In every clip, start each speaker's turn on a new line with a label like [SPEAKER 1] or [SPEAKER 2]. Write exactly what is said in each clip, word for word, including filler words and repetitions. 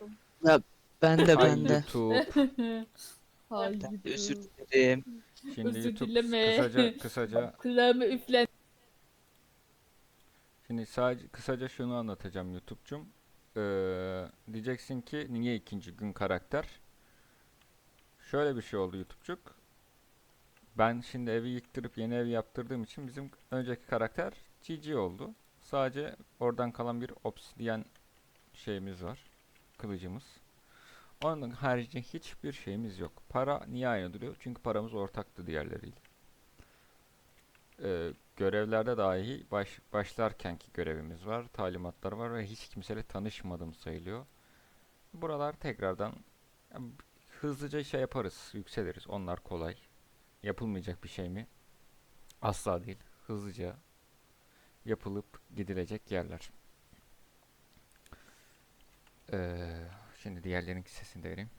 [SPEAKER 1] Ya ben de
[SPEAKER 2] Hay
[SPEAKER 1] ben de.
[SPEAKER 2] YouTube.
[SPEAKER 1] Ben de özür
[SPEAKER 3] Haydi.
[SPEAKER 1] dilerim.
[SPEAKER 2] Şimdi
[SPEAKER 3] Özür
[SPEAKER 2] YouTube
[SPEAKER 3] dileme.
[SPEAKER 2] kısaca kısaca
[SPEAKER 3] Kulağıma üflen.
[SPEAKER 2] şimdi sadece kısaca şunu anlatacağım YouTube'cum. Ee, diyeceksin ki niye ikinci gün karakter? Şöyle bir şey oldu YouTube'cuk. Ben şimdi evi yıktırıp yeni ev yaptırdığım için bizim önceki karakter G G oldu. Sadece oradan kalan bir obsidiyen şeyimiz var. Kılıcımız. Onun haricinde hiçbir şeyimiz yok. Para niye aynı duruyor? Çünkü paramız ortaktı diğerleriyle. Ee, görevlerde dahi baş, başlarkenki görevimiz var. Talimatlar var ve hiç kimseyle tanışmadım sayılıyor. Buralar tekrardan ya, hızlıca şey yaparız. Yükseliriz. Onlar kolay. Yapılmayacak bir şey mi? Asla değil. Hızlıca yapılıp gidilecek yerler. Ee, şimdi diğerlerinin sesini de vereyim.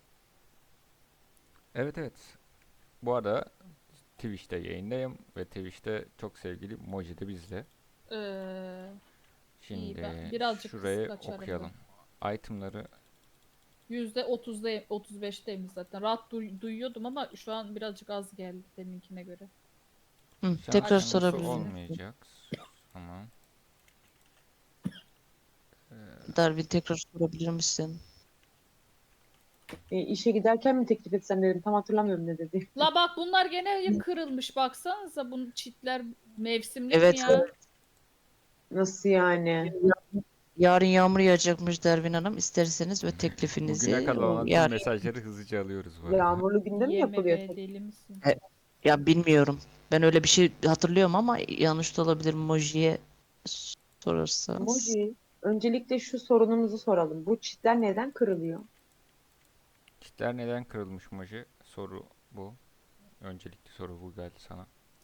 [SPEAKER 2] Evet evet. Bu arada Twitch'te yayındayım ve Twitch'te çok sevgili Moji de bizle.
[SPEAKER 3] Ee, iyi ben
[SPEAKER 2] Şimdi
[SPEAKER 3] birazcık kısık
[SPEAKER 2] şurayı
[SPEAKER 3] açarım da.
[SPEAKER 2] okuyalım. Itemları
[SPEAKER 3] Yüzde otuzda otuz beşteyim zaten. Rahat duy- duyuyordum ama şu an birazcık az geldi deminkine göre.
[SPEAKER 1] Hı,
[SPEAKER 2] şans
[SPEAKER 1] tekrar
[SPEAKER 3] Açtım
[SPEAKER 2] yanılsı
[SPEAKER 1] sorabilir
[SPEAKER 3] sesini.
[SPEAKER 1] miyim?
[SPEAKER 2] olmayacak. Tamam. Ee,
[SPEAKER 1] Darwin tekrar sorabilir misin?
[SPEAKER 4] E, işe giderken mi teklif etsem dedim. Tam hatırlamıyorum ne dedi.
[SPEAKER 3] La bak bunlar gene kırılmış baksanıza bunun çitler mevsimlik mi
[SPEAKER 1] Evet,
[SPEAKER 3] ya?
[SPEAKER 4] Nasıl yani?
[SPEAKER 1] yarın yağmur yağacakmış Dervin Hanım. İsterseniz ve
[SPEAKER 2] bugüne
[SPEAKER 1] teklifinizi
[SPEAKER 2] kadar
[SPEAKER 1] o
[SPEAKER 2] olan tüm
[SPEAKER 1] yarın.
[SPEAKER 2] mesajları hızlıca alıyoruz bu arada.
[SPEAKER 4] Yağmurlu günde mi
[SPEAKER 3] Yeme
[SPEAKER 4] yapılıyor
[SPEAKER 3] be
[SPEAKER 4] tek?
[SPEAKER 3] deli misin?
[SPEAKER 1] E, Ya bilmiyorum. Ben öyle bir şey hatırlıyorum ama yanlış da olabilir. Moji'ye sorarsanız.
[SPEAKER 4] Emoji. Öncelikle şu sorunumuzu soralım. Bu çitler neden kırılıyor?
[SPEAKER 2] Kitler neden kırılmış Moji? Soru bu. Öncelikli soru bu geldi sana.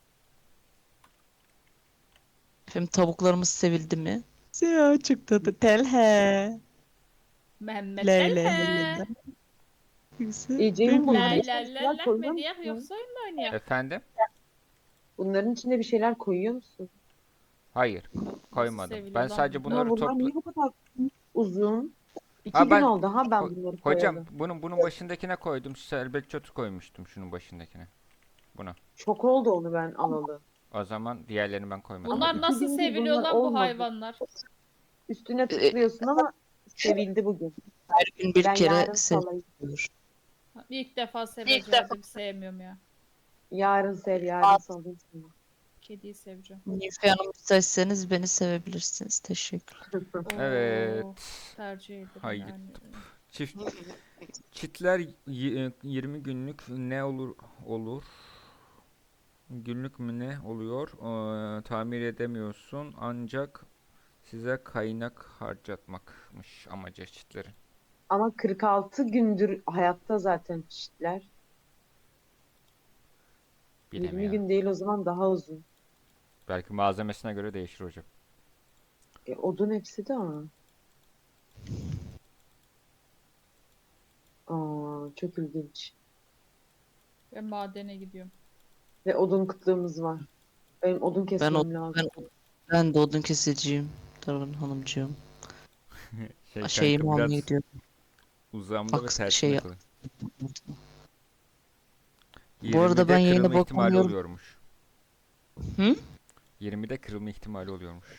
[SPEAKER 1] Efendim tavuklarımız sevildi mi? Ya çok tatlı. Telhe.
[SPEAKER 3] Mehmet
[SPEAKER 1] Lay lay lay
[SPEAKER 3] Telhe.
[SPEAKER 1] lay. Güzel.
[SPEAKER 4] E, Ceyhun
[SPEAKER 1] Bilmiyorum.
[SPEAKER 4] bunların
[SPEAKER 3] Lay
[SPEAKER 4] içine
[SPEAKER 3] lay
[SPEAKER 4] bir
[SPEAKER 3] lay
[SPEAKER 4] şeyler
[SPEAKER 3] lay
[SPEAKER 4] koyuyor
[SPEAKER 3] mı diye
[SPEAKER 4] musun?
[SPEAKER 3] yoksa oyun mu oynayak?
[SPEAKER 2] Efendim?
[SPEAKER 4] Bunların içine bir şeyler koyuyor musun?
[SPEAKER 2] Hayır.
[SPEAKER 3] Nasıl
[SPEAKER 2] koymadım. Ben
[SPEAKER 3] seviliyor lan
[SPEAKER 2] sadece
[SPEAKER 3] bunlar?
[SPEAKER 4] Ama
[SPEAKER 2] bunları
[SPEAKER 4] bunlar
[SPEAKER 2] topla...
[SPEAKER 4] niye bu kadar uzun? İki
[SPEAKER 2] Ha
[SPEAKER 4] gün
[SPEAKER 2] ben
[SPEAKER 4] oldu ha ben
[SPEAKER 2] ho-
[SPEAKER 4] bunları
[SPEAKER 2] hocam
[SPEAKER 4] koyalı.
[SPEAKER 2] bunun bunun başındakine koydum. Selbek çötü koymuştum şunun başındakine. Buna.
[SPEAKER 4] Çok oldu onu ben alalı.
[SPEAKER 2] O zaman diğerlerini ben koymadım
[SPEAKER 4] Ama
[SPEAKER 3] Bunlar
[SPEAKER 2] biliyorum.
[SPEAKER 4] iki
[SPEAKER 3] nasıl
[SPEAKER 4] gündür
[SPEAKER 3] seviliyor
[SPEAKER 4] bunlar
[SPEAKER 3] lan bu
[SPEAKER 4] olmadı.
[SPEAKER 3] hayvanlar?
[SPEAKER 4] Üstüne
[SPEAKER 1] E,
[SPEAKER 4] tıklıyorsun ama sevildi bugün.
[SPEAKER 1] Her gün bir
[SPEAKER 4] Ben
[SPEAKER 1] kere
[SPEAKER 4] yarın salayım.
[SPEAKER 1] seviyor.
[SPEAKER 3] İlk defa seveceğim. Sevmiyorum ya.
[SPEAKER 4] Yarın sev, yarın salayım sana.
[SPEAKER 3] Kediyi seveceğim.
[SPEAKER 1] Nilüfer Hanım isterseniz beni sevebilirsiniz. Teşekkür.
[SPEAKER 2] Evet.
[SPEAKER 3] Oo, tercih ederim
[SPEAKER 2] Hayır.
[SPEAKER 3] yani.
[SPEAKER 2] Çift çitler y- yirmi günlük ne olur olur? Günlük mü ne oluyor? Ee, tamir edemiyorsun ancak size kaynak harcatmakmış amacı çitlerin.
[SPEAKER 4] Ama kırk altı gündür hayatta zaten çiftler. yirmi
[SPEAKER 2] Bilemiyorum.
[SPEAKER 4] gün değil o zaman daha uzun.
[SPEAKER 2] Belki malzemesine göre değişir hocam.
[SPEAKER 4] E, odun hepsi de ama. Aa, çok ilginç.
[SPEAKER 3] Ben madene gidiyorum.
[SPEAKER 4] Ve odun kıtlığımız var. Benim odun
[SPEAKER 1] Ben o
[SPEAKER 4] kesmem lazım.
[SPEAKER 1] ben ben de odun kesiciyim. Darwin Hanımcığım.
[SPEAKER 2] Şey kanka
[SPEAKER 1] Şeyimi almaya
[SPEAKER 2] biraz
[SPEAKER 1] gidiyorum.
[SPEAKER 2] uzamda ve
[SPEAKER 1] Aks
[SPEAKER 2] tersine
[SPEAKER 1] şey.
[SPEAKER 2] kalın.
[SPEAKER 1] Bu arada ben
[SPEAKER 2] yirmide
[SPEAKER 1] yayına
[SPEAKER 2] kırılma ihtimali
[SPEAKER 1] bakamıyorum.
[SPEAKER 2] oluyormuş.
[SPEAKER 1] Hı?
[SPEAKER 2] yirmide kırılma ihtimali oluyormuş.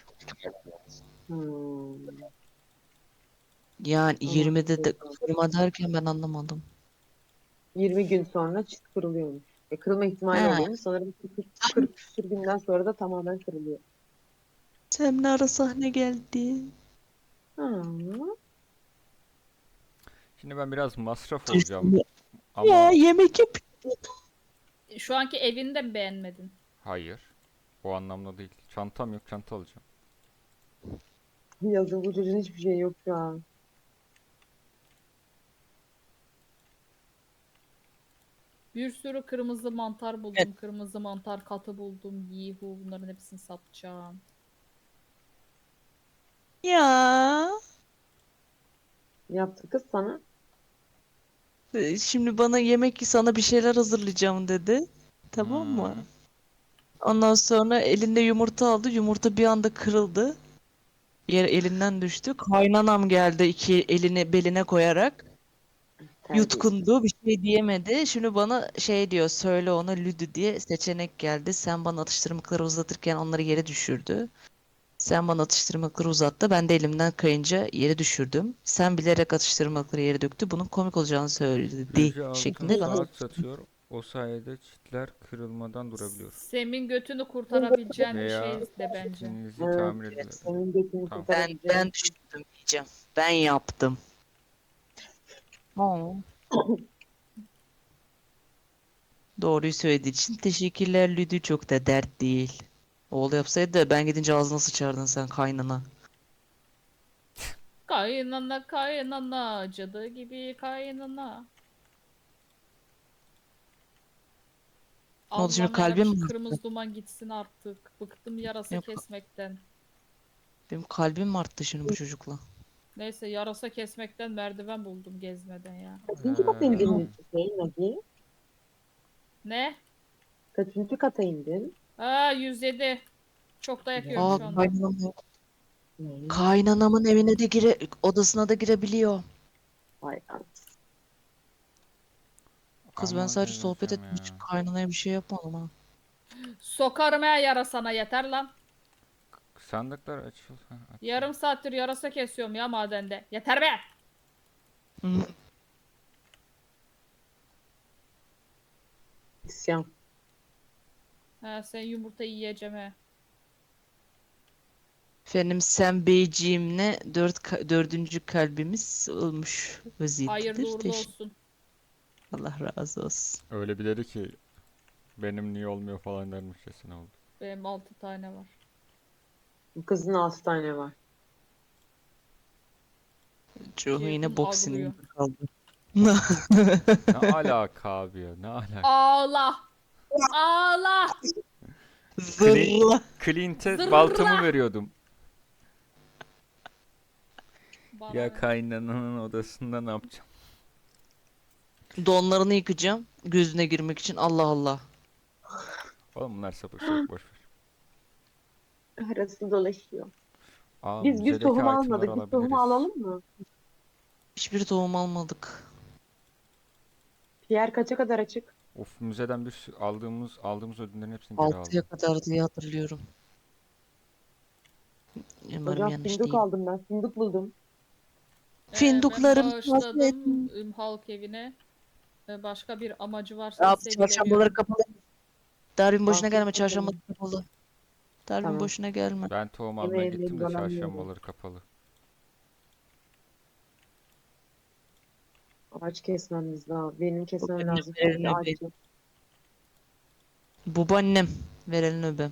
[SPEAKER 4] Hmm,
[SPEAKER 1] Yani yirmide de
[SPEAKER 4] anladım.
[SPEAKER 1] kırma derken ben anlamadım.
[SPEAKER 4] yirmi gün sonra çift kırılıyormuş. E, kırılma ihtimali
[SPEAKER 1] He.
[SPEAKER 4] oluyormuş. Sanırım kırk, kırk küsur günden sonra da tamamen kırılıyor.
[SPEAKER 1] Semra ara sahne geldi.
[SPEAKER 4] Ha.
[SPEAKER 2] Şimdi ben biraz masraf olacağım
[SPEAKER 1] Ya
[SPEAKER 2] ama
[SPEAKER 1] yemek yap.
[SPEAKER 3] Şu anki evini de mi beğenmedin?
[SPEAKER 2] hayır. O anlamda değil. Çantam yok, çanta alacağım.
[SPEAKER 4] Yazın bu çocuğun hiçbir şey yok şu an.
[SPEAKER 3] Bir sürü kırmızı mantar buldum. Kırmızı mantar katı buldum. Yihu bunların hepsini satacağım.
[SPEAKER 1] Ya.
[SPEAKER 4] Yaptı kız sana.
[SPEAKER 1] E, Şimdi bana yemek sana bir şeyler hazırlayacağım dedi. Tamam mı?
[SPEAKER 2] Hmm.
[SPEAKER 1] Ondan sonra elinde yumurta aldı. Yumurta bir anda kırıldı. Yer elinden düştü. Kaynanam geldi iki elini beline koyarak.
[SPEAKER 4] Terbiyesiz.
[SPEAKER 1] Yutkundu, bir şey diyemedi. Şimdi bana şey diyor, söyle ona Lüdü diye seçenek geldi. Sen bana atıştırmalıkları uzatırken onları yere düşürdü. Sen bana atıştırmalıkları uzattı. Ben de elimden kayınca yere düşürdüm. Sen bilerek atıştırmalıkları yere döktü. Bunun komik olacağını söyledi
[SPEAKER 2] Büyücü altın
[SPEAKER 1] şeklinde bana
[SPEAKER 2] saat satıyor. O sayede çitler kırılmadan durabiliyor.
[SPEAKER 3] Sem'in götünü kurtarabileceğin bir
[SPEAKER 2] Veya
[SPEAKER 3] şey de bence.
[SPEAKER 2] çitinizi
[SPEAKER 4] Evet.
[SPEAKER 2] tamir edilir.
[SPEAKER 1] evet,
[SPEAKER 4] Senin götünü
[SPEAKER 2] Tamam.
[SPEAKER 1] ben
[SPEAKER 4] kurtarabileceğim.
[SPEAKER 1] ben düşürdüm diyeceğim. Ben yaptım. Oo. Doğruyu söylediği için teşekkürler Lüdü, çok da dert değil. Oğlu yapsaydı da ben gidince ağzına sıçardın sen kaynana.
[SPEAKER 3] Kaynana kaynana cadı gibi kaynana.
[SPEAKER 1] Ne oldu şimdi,
[SPEAKER 3] Allah'ım
[SPEAKER 1] kalbim
[SPEAKER 3] yarabbim,
[SPEAKER 1] mi
[SPEAKER 3] şu
[SPEAKER 1] arttı?
[SPEAKER 3] kırmızı duman gitsin artık. Bıktım yarasa
[SPEAKER 1] Yok,
[SPEAKER 3] kesmekten.
[SPEAKER 1] benim kalbim mi arttı şimdi bu çocukla?
[SPEAKER 3] Neyse, yarasa kesmekten merdiven buldum gezmeden ya.
[SPEAKER 4] Kaçıncı kata indin
[SPEAKER 2] Ee,
[SPEAKER 4] şey Nagi?
[SPEAKER 3] Ne?
[SPEAKER 4] Kaçıncı kata indin?
[SPEAKER 3] Aa, yüz yedi. Çok dayak yiyorum
[SPEAKER 1] Aa,
[SPEAKER 3] şu anda.
[SPEAKER 1] kaynanam,
[SPEAKER 4] Ne?
[SPEAKER 1] kaynanamın evine de gire, odasına da girebiliyor.
[SPEAKER 4] Vay anasını.
[SPEAKER 1] Kız, ben
[SPEAKER 2] Ama
[SPEAKER 1] sadece sohbet
[SPEAKER 2] delireceğim
[SPEAKER 1] ettim, hiç
[SPEAKER 2] ya.
[SPEAKER 1] kaynanaya bir şey yapmadım ha.
[SPEAKER 3] Sokarım ya yarasana, yeter lan.
[SPEAKER 2] Sandıklar açıl. Ha, aç.
[SPEAKER 3] Yarım saattir yarasa kesiyorum ya madende. Yeter be.
[SPEAKER 1] Hı.
[SPEAKER 4] İsyan.
[SPEAKER 3] Ha, sen yumurta yiyeceğim he.
[SPEAKER 1] Efendim, sen beyciğimle dört, ka- dördüncü kalbimiz olmuş
[SPEAKER 3] Hayırlı
[SPEAKER 1] vaziyettedir.
[SPEAKER 3] uğurlu
[SPEAKER 1] Teşekkür.
[SPEAKER 3] olsun.
[SPEAKER 1] Allah razı olsun.
[SPEAKER 2] Öyle bir dedi ki benim niye olmuyor falan dermişçesine oldu.
[SPEAKER 3] Benim altı tane var.
[SPEAKER 4] Bu kızın altı tane var.
[SPEAKER 1] Çoğu
[SPEAKER 3] Ceyhun
[SPEAKER 1] yine bok
[SPEAKER 3] ağlıyor.
[SPEAKER 1] sinirinde kaldı.
[SPEAKER 2] Ne alaka abi ya, ne alaka?
[SPEAKER 3] Ağla. Ağla.
[SPEAKER 1] Zırla.
[SPEAKER 2] Clint'e
[SPEAKER 3] Zırla.
[SPEAKER 2] baltamı veriyordum.
[SPEAKER 3] Bana
[SPEAKER 2] Ya
[SPEAKER 3] ne?
[SPEAKER 2] kaynananın odasında ne yapacağım?
[SPEAKER 1] Donlarını yıkayacağım gözüne girmek için. Allah Allah.
[SPEAKER 2] Oğlum bunlar sapık sapık boş ver.
[SPEAKER 4] Arası dolaşıyor.
[SPEAKER 2] Aa,
[SPEAKER 4] Biz bir
[SPEAKER 2] müzedeki
[SPEAKER 4] tohum
[SPEAKER 2] itemleri
[SPEAKER 4] almadık. Bir tohum
[SPEAKER 2] alabiliriz.
[SPEAKER 4] alalım mı?
[SPEAKER 1] Hiçbir tohum almadık.
[SPEAKER 4] Pierre kaça kadar açık?
[SPEAKER 2] Of, müzeden bir sürü aldığımız aldığımız ödüllerin hepsini geri
[SPEAKER 1] Altıya
[SPEAKER 2] aldım.
[SPEAKER 1] kadar diye hatırlıyorum. Umarım
[SPEAKER 4] Hocam
[SPEAKER 1] yanlış
[SPEAKER 4] fındık
[SPEAKER 1] değil.
[SPEAKER 4] aldım ben. Fındık buldum.
[SPEAKER 3] Ee, ben
[SPEAKER 1] Finduklarım
[SPEAKER 3] bağışladım üm, halk evine. Ee, başka bir amacı varsa
[SPEAKER 1] Abi
[SPEAKER 3] ise
[SPEAKER 1] çarşambaları
[SPEAKER 3] bilemiyorum.
[SPEAKER 1] kapalı. Darwin boşuna gelme,
[SPEAKER 4] Afiyet
[SPEAKER 1] çarşamba
[SPEAKER 4] olsun.
[SPEAKER 1] kapalı. Darwin
[SPEAKER 4] Tamam.
[SPEAKER 1] boşuna gelme.
[SPEAKER 2] Ben tohum almaya
[SPEAKER 4] Yemeğimden
[SPEAKER 2] gittim de
[SPEAKER 4] dolanıyorum.
[SPEAKER 2] çarşambaları kapalı.
[SPEAKER 4] Ağaç kesmemiz lazım. Benim kesmem
[SPEAKER 1] Benim
[SPEAKER 4] lazım.
[SPEAKER 1] verelim
[SPEAKER 4] Çünkü ağaç
[SPEAKER 1] öbe.
[SPEAKER 4] yok.
[SPEAKER 1] Babaannem. Verelim öbe.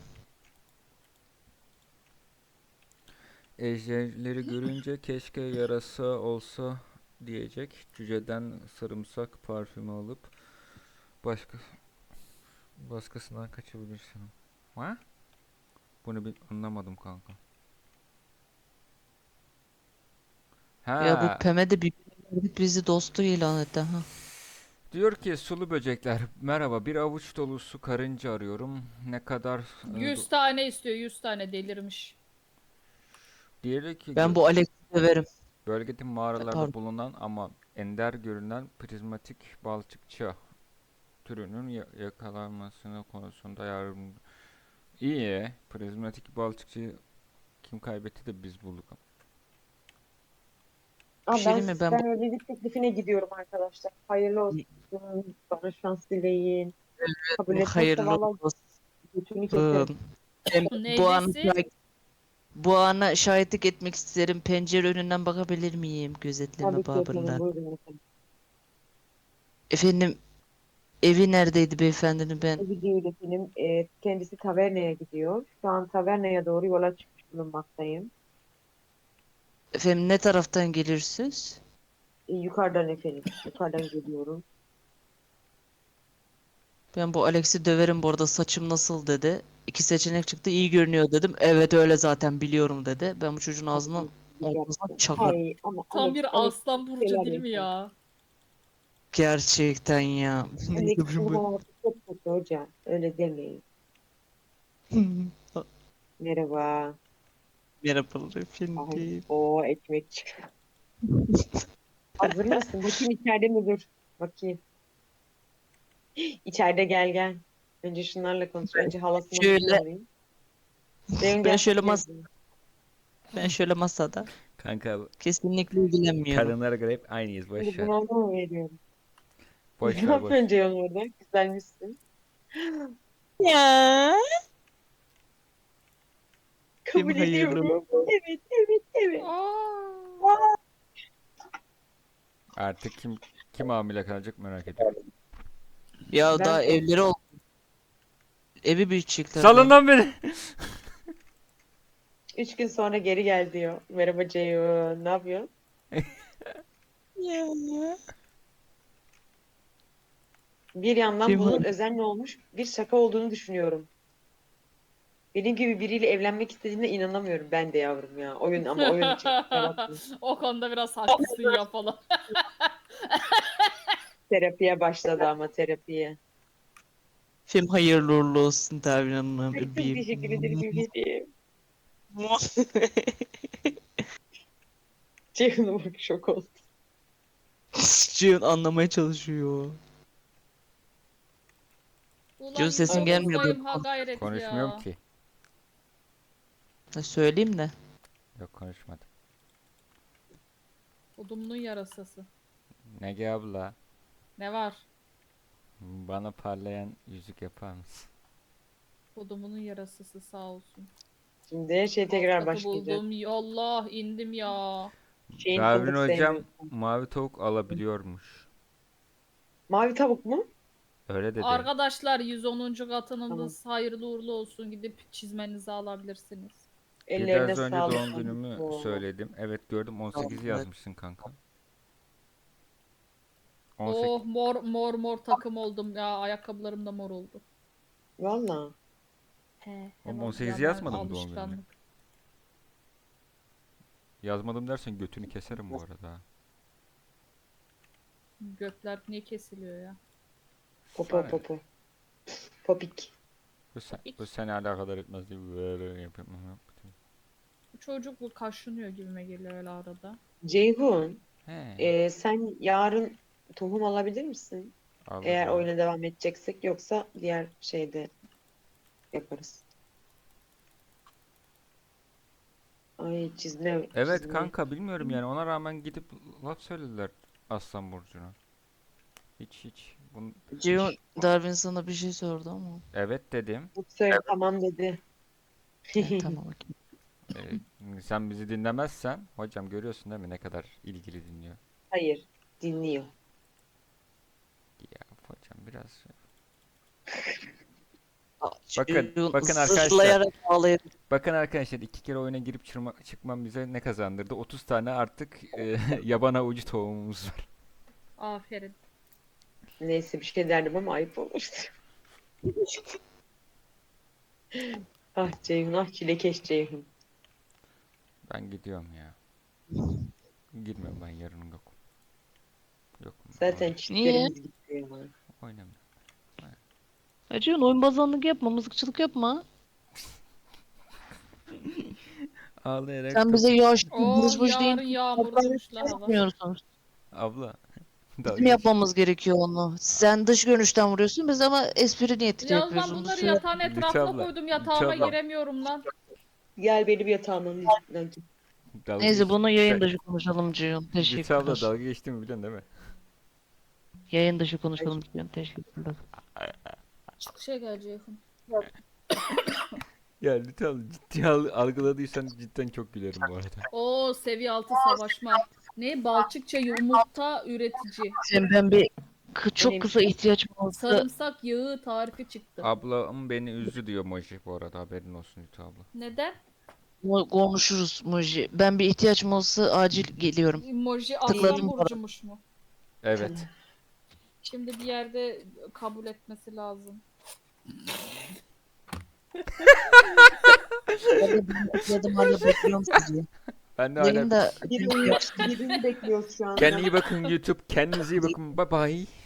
[SPEAKER 2] Ejderleri görünce keşke yarasa olsa diyecek. Cüceden sarımsak parfümü alıp başka başkasından kaçabilirsin. Ha? Bunu bir anlamadım kanka.
[SPEAKER 1] Ya bu
[SPEAKER 2] Ha,
[SPEAKER 1] Peme de bir bizi dostu ilan etti ha.
[SPEAKER 2] diyor ki sulu böcekler merhaba, bir avuç dolusu karınca arıyorum. Ne kadar e,
[SPEAKER 3] yüz
[SPEAKER 2] do-
[SPEAKER 3] tane istiyor, yüz tane, delirmiş.
[SPEAKER 2] diğeri ki
[SPEAKER 1] Ben
[SPEAKER 2] gö-
[SPEAKER 1] bu Alex'i severim.
[SPEAKER 2] bölgede mağaralarda
[SPEAKER 1] Pardon.
[SPEAKER 2] bulunan ama ender görünen prizmatik balçıkçı türünün ya- yakalanmasını konusunda yardım. İyi, prizmatik balçıkçı kim kaybetti de biz bulduk.
[SPEAKER 1] Bir
[SPEAKER 4] Aa,
[SPEAKER 1] şey
[SPEAKER 4] ben
[SPEAKER 1] diyeyim mi? Ben
[SPEAKER 4] sizden
[SPEAKER 1] bu
[SPEAKER 4] evlilik teklifine gidiyorum arkadaşlar. Hayırlı olsun. Bana şans dileyin. Kabul etmezse
[SPEAKER 1] hayırlı
[SPEAKER 4] valla
[SPEAKER 1] olsun.
[SPEAKER 4] götünü keserim.
[SPEAKER 1] Ben bu ana
[SPEAKER 3] Neydesin?
[SPEAKER 1] şahit, bu ana şahitlik etmek isterim. Pencere önünden bakabilir miyim gözetleme
[SPEAKER 4] Tabii ki efendim.
[SPEAKER 1] babında?
[SPEAKER 4] Buyurun efendim.
[SPEAKER 1] Efendim, evi neredeydi beyefendinin ben?
[SPEAKER 4] Evi değil efendim. Ee, kendisi tavernaya gidiyor. Şu an tavernaya doğru yola çıkmış bulunmaktayım.
[SPEAKER 1] Efendim, ne taraftan gelirsiniz?
[SPEAKER 4] Ee, yukarıdan efendim. Yukarıdan geliyorum.
[SPEAKER 1] Ben bu Alex'i döverim bu arada, saçım nasıl dedi. İki seçenek çıktı, iyi görünüyor dedim. Evet öyle zaten biliyorum dedi. Ben bu çocuğun ağzından ortasına çakarım.
[SPEAKER 4] Ay ama
[SPEAKER 3] Tam
[SPEAKER 4] Alex,
[SPEAKER 3] bir
[SPEAKER 4] Alex
[SPEAKER 3] aslan burcu
[SPEAKER 4] şeyler
[SPEAKER 3] değil mi
[SPEAKER 4] yapıyor.
[SPEAKER 3] ya?
[SPEAKER 1] Gerçekten ya.
[SPEAKER 4] Alex
[SPEAKER 1] Neyse bu.
[SPEAKER 4] durumu artık çok kötü hocam. Öyle demeyin. Merhaba.
[SPEAKER 1] Merhabalar
[SPEAKER 4] Ay,
[SPEAKER 1] efendim.
[SPEAKER 4] o ekmek çıktı. Hazır mısın? Bakayım içeride mi dur? Bakayım. İçeride gel gel. Önce şunlarla konuş. Önce halasını
[SPEAKER 1] Şöyle
[SPEAKER 4] arayayım. Ceyhun
[SPEAKER 1] ben
[SPEAKER 4] gel
[SPEAKER 1] şöyle
[SPEAKER 4] kapıyı
[SPEAKER 1] mas
[SPEAKER 4] açayım.
[SPEAKER 1] ben şöyle masada
[SPEAKER 2] Kanka
[SPEAKER 1] kesinlikle ilgilenmiyorum.
[SPEAKER 2] kadınlara göre hep aynıyız.
[SPEAKER 4] Şimdi
[SPEAKER 2] Boş ver.
[SPEAKER 4] bunu ona mı veriyorum?
[SPEAKER 2] Boş
[SPEAKER 4] Ne
[SPEAKER 2] ver boş.
[SPEAKER 4] yapıyorsun Ceyhun orada? Güzelmişsin.
[SPEAKER 1] Ya. Kim
[SPEAKER 4] Kabul
[SPEAKER 1] hayırlı?
[SPEAKER 4] ediyorum. Evet, evet, evet.
[SPEAKER 3] Aa,
[SPEAKER 2] Artık kim kim hamile kalacak merak ediyorum.
[SPEAKER 1] Ya
[SPEAKER 4] Ben
[SPEAKER 1] daha
[SPEAKER 4] son.
[SPEAKER 1] evleri oldu. Evi büyütecekler
[SPEAKER 2] Salın
[SPEAKER 1] daha.
[SPEAKER 2] lan beni.
[SPEAKER 4] Üç gün sonra geri gel diyor. Merhaba Ceyhun. Ne yapıyorsun?
[SPEAKER 1] Ya.
[SPEAKER 4] Bir yandan
[SPEAKER 1] Kim
[SPEAKER 4] bunun
[SPEAKER 1] hayırlı?
[SPEAKER 4] özenle olmuş bir şaka olduğunu düşünüyorum. Benim gibi biriyle evlenmek istediğine inanamıyorum ben de yavrum ya. Oyun ama oyun için. Kusura bakma.
[SPEAKER 3] o konuda biraz haklısın ya falan.
[SPEAKER 4] Terapiye başladı ama terapiye.
[SPEAKER 1] Film hayırlı uğurlu olsun Tavin Hanım
[SPEAKER 4] Ay, çok
[SPEAKER 1] bebeğim.
[SPEAKER 4] teşekkür ederim bebeğim. Ceyhun'a bak şok oldu.
[SPEAKER 1] Cihun anlamaya çalışıyor.
[SPEAKER 3] Ulan
[SPEAKER 1] Cihun sesin
[SPEAKER 4] Ay,
[SPEAKER 1] gelmiyor böyle.
[SPEAKER 3] yüz onuzdayım, ha gayret
[SPEAKER 2] Konuşmuyorum
[SPEAKER 3] ya.
[SPEAKER 2] ki.
[SPEAKER 1] Ha, söyleyeyim de.
[SPEAKER 2] Yok konuşmadım.
[SPEAKER 3] Odumunun yarasası.
[SPEAKER 2] Nege abla,
[SPEAKER 3] Ne var?
[SPEAKER 2] bana parlayan yüzük yapar mısın?
[SPEAKER 3] Odumunun yarasası sağ olsun.
[SPEAKER 4] Şimdi her şey
[SPEAKER 3] Alt
[SPEAKER 4] tekrar
[SPEAKER 3] katı
[SPEAKER 4] başlayacak.
[SPEAKER 3] buldum. Yallah indim ya.
[SPEAKER 4] Şeyin
[SPEAKER 2] Davin
[SPEAKER 4] fındık
[SPEAKER 2] hocam
[SPEAKER 4] sevmiyorsun.
[SPEAKER 2] mavi tavuk alabiliyormuş.
[SPEAKER 4] Mavi tavuk mu?
[SPEAKER 2] Öyle dedi.
[SPEAKER 3] Arkadaşlar yüz onuncu
[SPEAKER 4] Tamam.
[SPEAKER 3] katınız hayırlı uğurlu olsun. Gidip çizmenizi alabilirsiniz.
[SPEAKER 4] Ellerine
[SPEAKER 2] Biraz önce
[SPEAKER 4] sağlık.
[SPEAKER 2] doğum günümü
[SPEAKER 4] Oo.
[SPEAKER 2] söyledim. Evet gördüm on sekizi
[SPEAKER 1] Evet.
[SPEAKER 2] yazmışsın kanka. on sekiz.
[SPEAKER 3] Oh mor mor mor takım oldum ya. Ayakkabılarım da mor oldu.
[SPEAKER 4] Valla.
[SPEAKER 3] He,
[SPEAKER 2] Oğlum
[SPEAKER 3] hemen
[SPEAKER 2] on sekizi
[SPEAKER 3] hemen
[SPEAKER 2] yazmadım doğum gününe.
[SPEAKER 3] alışkanlık.
[SPEAKER 2] Yazmadım dersen götünü keserim bu arada.
[SPEAKER 3] Gökler niye kesiliyor ya?
[SPEAKER 4] Popo
[SPEAKER 2] Sana ne?
[SPEAKER 4] popo. Popik.
[SPEAKER 2] Bu, sen, bu seni alakadar etmez diye böyle yapıyorum.
[SPEAKER 3] Bu çocuk bu kaşınıyor gibime geliyor öyle arada.
[SPEAKER 4] Ceyhun,
[SPEAKER 2] He.
[SPEAKER 4] e, sen yarın tohum alabilir misin? Eğer
[SPEAKER 2] Alırım.
[SPEAKER 4] oyuna devam edeceksek yoksa diğer şeyde yaparız. Ay çizme,
[SPEAKER 2] Evet
[SPEAKER 4] çizme.
[SPEAKER 2] kanka bilmiyorum yani ona rağmen gidip laf söylediler Aslan Burcu'na. Hiç hiç. Bunu...
[SPEAKER 1] Cihun Darwin sana bir şey sordu ama.
[SPEAKER 2] Evet dedim.
[SPEAKER 4] Bu söyle tamam dedi.
[SPEAKER 1] Ha, tamam okey.
[SPEAKER 2] Ee, sen bizi dinlemezsen hocam görüyorsun değil mi ne kadar ilgili dinliyor.
[SPEAKER 4] Hayır, dinliyor.
[SPEAKER 2] Ya hocam biraz şey-
[SPEAKER 1] Bakın,
[SPEAKER 2] Bakın, bakın arkadaşlar.
[SPEAKER 1] zırlayarak ağlayıp
[SPEAKER 2] Bakın arkadaşlar iki kere oyuna girip çırma, çıkmam bize ne kazandırdı? otuz tane artık e, yaban avucu tohumumuz var.
[SPEAKER 3] Aferin.
[SPEAKER 4] Neyse bir şey derdim ama ayıp olur. Ah Ceyhun, ah çilekeş Ceyhun.
[SPEAKER 2] Ben gidiyorum ya. Girmiyorum ben yarın yok. Yok.
[SPEAKER 4] Zaten
[SPEAKER 2] oyn-
[SPEAKER 4] çiftlerimiz gitti ya.
[SPEAKER 2] Oynamıyorum.
[SPEAKER 1] Ya Cihun oyun bazanlık yapma, mızıkçılık yapma.
[SPEAKER 2] Ağlayarak
[SPEAKER 1] Sen
[SPEAKER 2] top-
[SPEAKER 1] bize yaş
[SPEAKER 3] Oh
[SPEAKER 1] buruş buruş
[SPEAKER 3] yarın
[SPEAKER 1] deyin.
[SPEAKER 3] yağmurluymuş la hava.
[SPEAKER 1] Yapmıyorsunuz.
[SPEAKER 2] Abla. dalga
[SPEAKER 1] Bizim
[SPEAKER 2] geç-
[SPEAKER 1] yapmamız gerekiyor onu. Sen dış görünüşten vuruyorsun biz ama espri niyetiyle
[SPEAKER 3] Yalnız
[SPEAKER 1] yapıyoruz.
[SPEAKER 3] ben
[SPEAKER 1] Onu
[SPEAKER 3] bunları
[SPEAKER 1] söyle.
[SPEAKER 3] yatağın
[SPEAKER 2] Lütfü
[SPEAKER 3] etrafına
[SPEAKER 2] abla,
[SPEAKER 3] koydum.
[SPEAKER 2] Lütfü
[SPEAKER 3] Yatağıma
[SPEAKER 2] abla.
[SPEAKER 3] giremiyorum lan.
[SPEAKER 4] Gel benim yatağımın yüzünden git.
[SPEAKER 2] dalga
[SPEAKER 1] Neyse
[SPEAKER 2] geç-
[SPEAKER 1] bunu yayın
[SPEAKER 2] Sen-
[SPEAKER 1] dışı konuşalım Cihun.
[SPEAKER 2] Lütfü abla
[SPEAKER 1] Teşekkürler.
[SPEAKER 2] dalga geçtiğimi biliyorsun değil mi?
[SPEAKER 1] Yayın dışı konuşalım Cihun. Teşekkürler.
[SPEAKER 3] Çok şey gel Ceyhun.
[SPEAKER 2] Ya Lütfü abla ciddi al- algıladıysan cidden çok gülerim bu arada.
[SPEAKER 3] Oo seviye altı savaşma. Ne balçıkça yumurta üretici.
[SPEAKER 1] Sen ben bir kı- çok
[SPEAKER 4] Neymiş
[SPEAKER 1] kısa
[SPEAKER 4] o?
[SPEAKER 1] ihtiyacım olsa
[SPEAKER 3] Sarımsak yağı tarifi çıktı.
[SPEAKER 2] Ablam beni üzdü diyor Moji bu arada haberin olsun Lütfü abla.
[SPEAKER 3] Neden?
[SPEAKER 1] mo- konuşuruz Muji. Ben bir ihtiyacım olsa acil geliyorum.
[SPEAKER 3] Emoji
[SPEAKER 1] Tıkladım
[SPEAKER 3] Aslan
[SPEAKER 1] para.
[SPEAKER 3] Burcu'muş mu?
[SPEAKER 2] Evet.
[SPEAKER 3] Şimdi bir yerde kabul etmesi lazım.
[SPEAKER 1] Ben de bunu tıkladım hala bekliyorum sizi.
[SPEAKER 2] Ben de hala
[SPEAKER 1] Yayında
[SPEAKER 4] Birini, birini bekliyoruz şu anda.
[SPEAKER 2] kendine iyi bakın YouTube. Kendinize iyi bakın. Bye bye.